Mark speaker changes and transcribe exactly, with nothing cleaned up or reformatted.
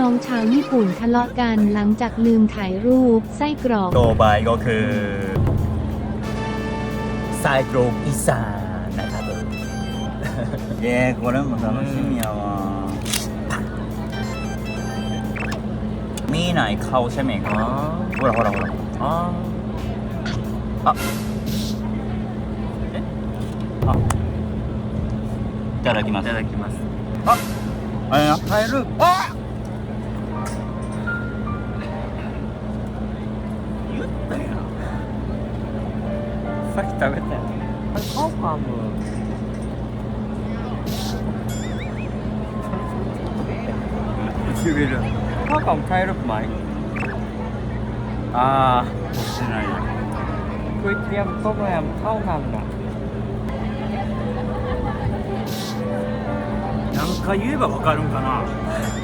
Speaker 1: น้องชาวญี่ปุ่นทะเลาะกันหลังจากลืมถ่ายรูปไส้กรอก
Speaker 2: ต่อไปก็คือไส้กรอกอีสานนะครับผม
Speaker 3: えー、これも楽しみやわ。
Speaker 2: มีไหนเข้าใช่ไหมครับほらほらほらああえあいただきますいただきます
Speaker 3: あ、あれな、カエル。あ。言ったやん。さっき食べたやん。あれカオカム。唇。カオカムカエルไหมああ、してないよ。ก๋วยเตี๋ยวต้มยำข้าวมันน่ะなんか言えばわかるんかな